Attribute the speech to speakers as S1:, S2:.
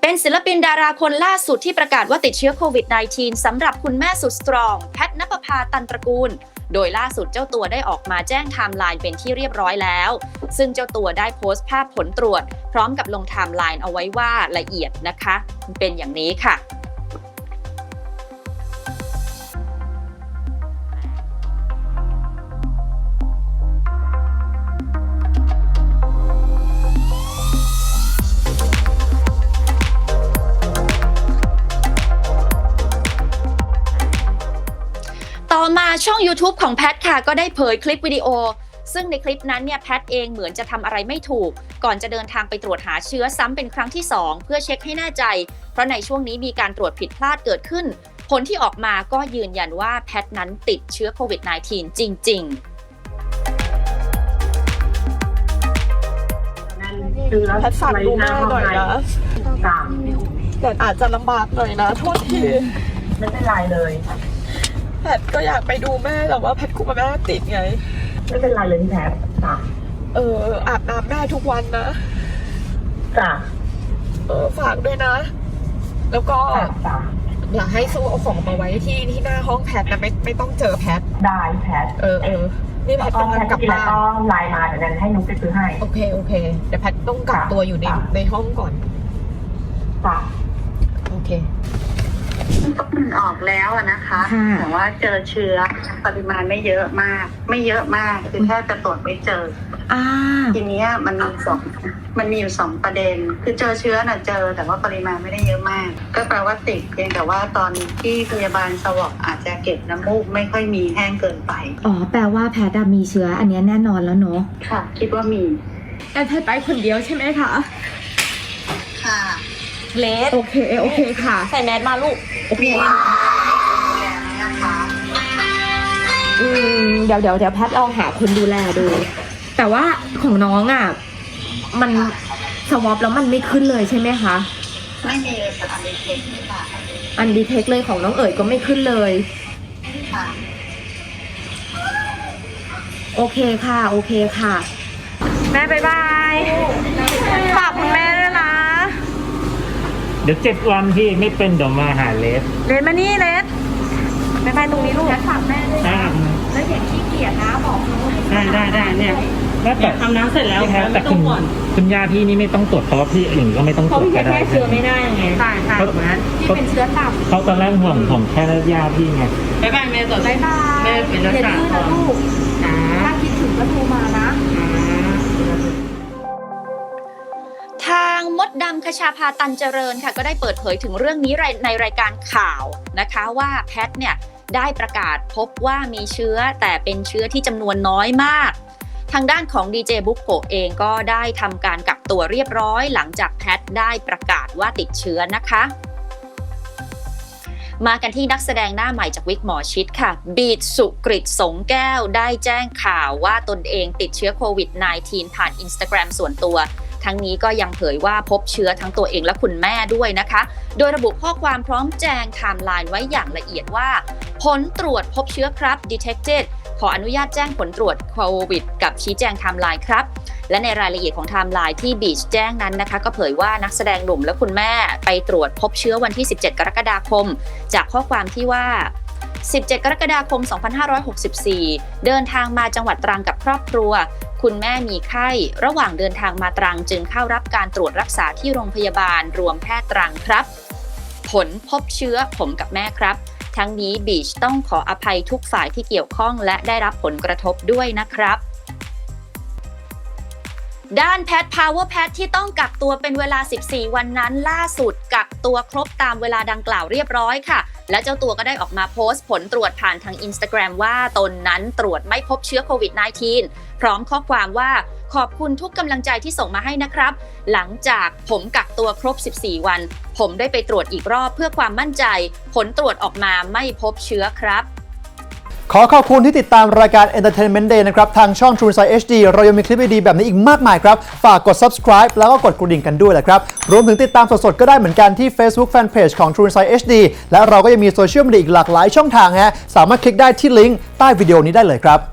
S1: เป็นศิลปินดาราคนล่าสุดที่ประกาศว่าติดเชื้อโควิด -19 สำหรับคุณแม่สุดสตรองแพทณปภาตันตระกูลโดยล่าสุดเจ้าตัวได้ออกมาแจ้งไทม์ไลน์เป็นที่เรียบร้อยแล้วซึ่งเจ้าตัวได้โพสต์ภาพผลตรวจพร้อมกับลงไทม์ไลน์เอาไว้ว่าละเอียดนะคะเป็นอย่างนี้ค่ะต่อมาช่อง YouTube ของแพทค่ะก็ได้เผยคลิปวิดีโอซึ่งในคลิปนั้นเนี่ยแพทเองเหมือนจะทำอะไรไม่ถูกก่อนจะเดินทางไปตรวจหาเชื้อซ้ำเป็นครั้งที่2เพื่อเช็คให้แน่ใจเพราะในช่วงนี้มีการตรวจผิดพลาดเกิดขึ้นผลที่ออกมาก็ยืนยันว่าแพทนั้นติดเชื้อโควิด -19 จริงๆ
S2: แพทฝากดูแม่หน่อยนะแต่อาจจะลำบากหน่อยนะโทษที
S3: ไม่เป็นไรเลย
S2: แพทก็อยากไปดูแม่แต่ว่าแพทกลัวแม่ติดไง
S3: ไม่เป็นไรเลยพี่แพทจ้ะ
S2: อาบน้ำแม่ทุกวันนะ
S3: จ้ะ
S2: ฝากด้วยนะแล้วก็อยากให้สู้เอาของมาไว้ที่หน้าห้องแพทนะไม่ต้องเจอแพท
S3: ได้แพท
S2: นี่แพทต้องกลับบ้าน
S3: ต้องไลน์มาเดี๋ยวนั้นให้นุ๊กไปซื้อให้
S2: โอเคเดี๋ยวแพทต้องกักตัวอยู่ในห้องก่อน
S3: จ้ะ
S2: โอเค
S4: มันออกแล้วนะคะแต่ว่าเจอเชื้อปริมาณไม่เยอะมากคือแค่จะตรวจไม่เจอทีนี้มันมีอยู่2ประเด็นคือเจอเชื้อน่ะเจอแต่ว่าปริมาณไม่ได้เยอะมากก็แปลว่าติดเพียงแต่ว่าตอนที่พยาบาลสวอปอาจจะเก็บน้ำมูกไม่ค่อยมีแห้งเกินไป
S5: แปลว่าแพทย์มีเชื้ออันนี้แน่นอนแล้วเนาะ
S4: ค่ะคิดว่ามี
S2: แพทย์ไปคนเดียวใช่ไหมคะ
S4: ค่ะ
S2: เลสโอเคค่ะ
S1: ใส่แมสมาลูก
S4: มี
S5: เดี๋ยวแพทย์ลองหาคนดูแลดูแต่ว่าของน้องมันสวอปแล้วมันไม่ขึ้นเลยใช่ไหมคะ
S4: ไม่มีเลยค่ะอันดีเทคค่ะ
S5: อันดีเทคเลยของน้องเอ๋ยก็ไม่ขึ้นเลย
S4: ค่ะ
S5: โอเคค่ะแม่บ๊ายบายฝากคุณแม่ด้วยนะ
S6: เดี๋ยว7 วันพี่ไม่เป็นเดี๋ยวมาหาเลส
S5: มานี่เลสไปตรงนี้ลูก
S1: ฝากแม่ด้วยนะแล้วอย่างขี้เกียจนะบอก
S6: ได้เนี่ยแล้วแต่
S1: ทำน้ำเสร็จแล้ว
S6: แต่คุณย่าพี่นี่ไม่ต้องตรวจเพราะว่าพี่อื่นก็ไม่ต้องตรวจก็ได้
S1: แค่เชื้อไม่ได้ไงใช่ถูกไหมที่เป็นเชื้อต่ำ
S6: เขาตอนแรกห่วงแค่ย่าพี่ไง
S1: บ๊ายบายแม่ตรวจบ๊ายบายแม่เป็นรักษาก่อนถ้าคิดถึงก็โทรมานะทางมดดำคชาภาตันเจริญค่ะก็ได้เปิดเผยถึงเรื่องนี้ในรายการข่าวนะคะว่าแพทเนี่ยได้ประกาศพบว่ามีเชื้อแต่เป็นเชื้อที่จำนวนน้อยมากทางด้านของดีเจบุ๊กโกเองก็ได้ทำการกักตัวเรียบร้อยหลังจากแพทได้ประกาศว่าติดเชื้อนะคะมากันที่นักแสดงหน้าใหม่จากวิกหมอชิดค่ะบีทสุกฤตสงแก้วได้แจ้งข่าวว่าตนเองติดเชื้อโควิด -19 ผ่าน Instagram ส่วนตัวทั้งนี้ก็ยังเผยว่าพบเชื้อทั้งตัวเองและคุณแม่ด้วยนะคะโดยระบุข้อความพร้อมแจงไทม์ไลน์ไว้อย่างละเอียดว่าผลตรวจพบเชื้อครับ detected ขออนุญาตแจ้งผลตรวจโควิดกับชี้แจงไทม์ไลน์ครับและในรายละเอียดของไทม์ไลน์ที่บีชแจ้งนั้นนะคะก็เผยว่านักแสดงหนุ่มและคุณแม่ไปตรวจพบเชื้อวันที่17 กรกฎาคมจากข้อความที่ว่า17 กรกฎาคม 2564 เดินทางมาจังหวัดตรังกับครอบครัวคุณแม่มีไข้ระหว่างเดินทางมาตรังจึงเข้ารับการตรวจรักษาที่โรงพยาบาลรวมแพทย์ตรังครับผลพบเชื้อผมกับแม่ครับทั้งนี้บีชต้องขออภัยทุกฝ่ายที่เกี่ยวข้องและได้รับผลกระทบด้วยนะครับด้านแพทพาวเวอร์แพทที่ต้องกักตัวเป็นเวลา14 วันนั้นล่าสุดกักตัวครบตามเวลาดังกล่าวเรียบร้อยค่ะและเจ้าตัวก็ได้ออกมาโพสต์ผลตรวจผ่านทาง Instagram ว่าตนนั้นตรวจไม่พบเชื้อโควิด -19 พร้อมข้อความว่าขอบคุณทุกกำลังใจที่ส่งมาให้นะครับหลังจากผมกักตัวครบ14 วันผมได้ไปตรวจอีกรอบเพื่อความมั่นใจผลตรวจออกมาไม่พบเชื้อครับ
S7: ขอขอบคุณที่ติดตามรายการ Entertainment Day นะครับทางช่อง True Insight HD เรายังมีคลิปดีๆแบบนี้อีกมากมายครับฝากกด subscribe แล้วก็กดกระดิ่งกันด้วยแหละครับรวมถึงติดตามสดๆก็ได้เหมือนกันที่ Facebook Fanpage ของ True Insight HD และเราก็ยังมีโซเชียลมีเดียอีกหลากหลายช่องทางฮะสามารถคลิกได้ที่ลิงก์ใต้วิดีโอนี้ได้เลยครับ